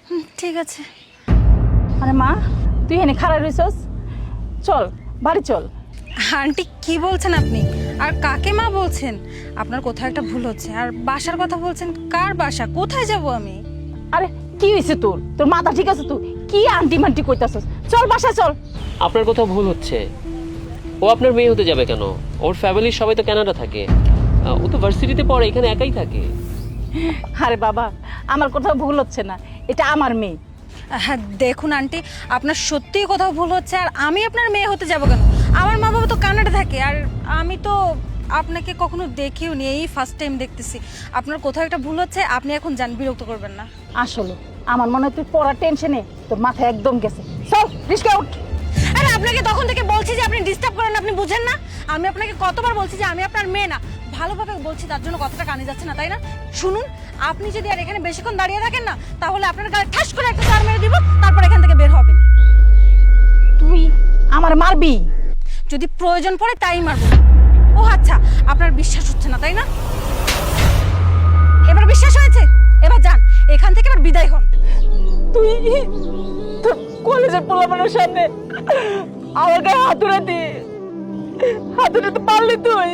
ঠিক আছে। আরে মা, তুই এনে খাড়া রইছস, চল বাড়ি চল। আন্টি কি বলছেন আপনি? আর কাকে মা বলছেন? আপনার কোথাও একটা ভুল হচ্ছে। আর বাসার কথা বলছেন, কার বাসা? কোথায় যাব আমি? আরে কি হয়েছে তোর? তোর মাথা ঠিক আছে? তুই কি আন্টি মান্টি কইতাছস? চল বাসায় চল। আপনার কোথাও ভুল হচ্ছে। ও আপনার মেয়ে হতে যাবে কেন? ওর ফ্যামিলির সবাই তো কানাডা থাকে। ও তো ভার্সিটিতে পড়ে, এখানে একাই থাকে। আরে বাবা, আমার কোথাও ভুল হচ্ছে না, এটা আমার মেয়ে। হ্যাঁ দেখুন আন্টি, আপনার সত্যিই কোথাও ভুল হচ্ছে। আর আমি আপনার মেয়ে হতে যাব কেন? আমার মা বাবা তো কানাডা থাকে। আর আমি তো আপনাকে কখনো দেখিও নি, এই ফার্স্ট টাইম দেখতেছি। আপনার কোথাও একটা ভুল হচ্ছে। আপনি এখন যান, বিরক্ত করবেন না। আসলে আমার মনে হয় তুই পড়ার টেনশনে তোর মাথা একদম গেছে। চল রিস্কা উঠ। আরে আপনাকে তখন থেকে বলছি যে আপনি ডিস্টার্ব করেন, আপনি বুঝেন না? আমি আপনাকে কতবার বলছি যে আমি আপনার মেয়ে না। ভালোভাবে বলছি, তার জন্য কথাটা কানে যাচ্ছে না, তাই না? শুনুন, আপনি যদি আর এখানে বেশিক্ষণ দাঁড়িয়ে থাকেন না, তাহলে আপনার গায়ে ঠাস করে একটা চড় মেরে দিব, তারপর এখান থেকে বের হবেন। তুই আমার মারবি? যদি প্রয়োজন পড়ে তাই মারবো। ও আচ্ছা, আপনার বিশ্বাস হচ্ছে না তাই না? এবার বিশ্বাস হয়েছে? এবার যান এখান থেকে, এবার বিদায় হন। তুই তোর কলেজের পোলাপানের সামনে আমার গায়ে হাতুড়ে তো পারলি তুই?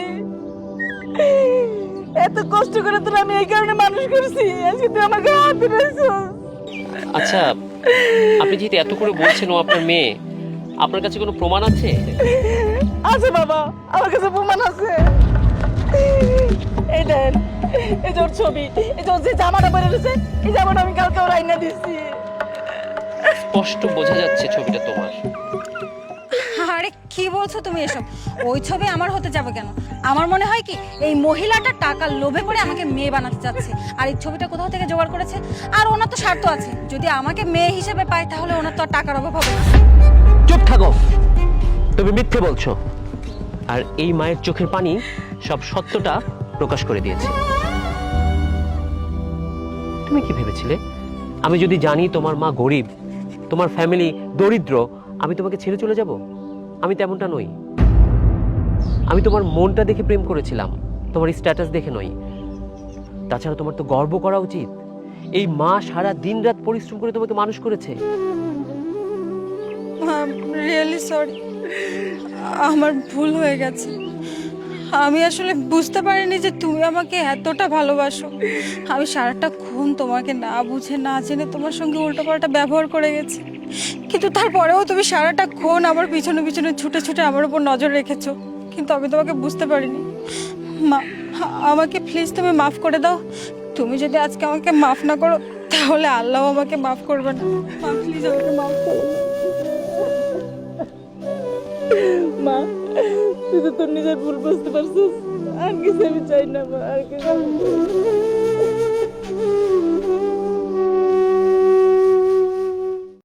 এত কষ্ট করে তোর আমি এই কারণে মানুষ করছি, আজকে তুই আমার গায়ে হাতুড়েছিস। আচ্ছা, আপনি যেহেতু এত করে বলছেন ও আপনার মেয়ে, আপনার কাছে কোনো প্রমাণ আছে? আছে বাবা, আমার কাছে প্রমাণ আছে। এই দেন, এই যে ওর ছবি, এই যে ওর যে জামাটা পরে রয়েছে, এই জামাটা আমি কালকে ওর আইনা দিচ্ছি। স্পষ্ট বোঝা যাচ্ছে ছবিটা তোমার। আরে কি বলছো তুমি এসব? ওই ছবি আমার হতে যাবে কেন? আমার মনে হয় কি এই মহিলাটা টাকার লোভে পড়ে আমাকে মেয়ে বানাতে চাচ্ছে। আর এই ছবিটা কোথাও থেকে জোগাড় করেছে। আর ওনার তো স্বার্থ আছে, যদি আমাকে মেয়ে হিসেবে পায় তাহলে ওনার তো আর টাকার অভাব হবে না। চুপ থাকো, তুমি মিথ্যে বলছো। আর এই মায়ের চোখের পানি সব সত্যটা প্রকাশ করে দিয়েছে। তুমি কি ভেবেছিলে আমি যদি জানি তোমার মা গরিব, তোমার ফ্যামিলি দরিদ্র, আমি তোমাকে ছেড়ে চলে যাব? আমি তেমনটা নই। আমি তোমার মনটা দেখে প্রেম করেছিলাম, তোমার স্ট্যাটাস দেখে নয়। তাছাড়া তোমার তো গর্ব করা উচিত। এই মা সারা দিন রাত পরিশ্রম করে তোমাকে মানুষ করেছে। রিয়েলি সরি, আমার ভুল হয়ে গেছে। আমি আসলে বুঝতে পারিনি যে তুমি আমাকে এতটা ভালোবাসো। আমি সারাটা খুন তোমাকে না বুঝে না জেনে তোমার সঙ্গে উল্টোপাল্টা ব্যবহার করে গেছি। কিন্তু তারপরেও তুমি সারাটা খুন আমার পিছনে পিছনে ছুটে ছুটে আমার উপর নজর রেখেছো। কিন্তু আমি তোমাকে বুঝতে পারিনি। মা, আমাকে প্লিজ তুমি মাফ করে দাও। তুমি যদি আজকে আমাকে মাফ না করো তাহলে আল্লাহ আমাকে মাফ করবে না। মা প্লিজ আমাকে মাফ করো। মা, তুই তো তোর নিজের ভুল বুঝতে পারছিস। আর কিছু আমি চাই না মা, আর কিছু।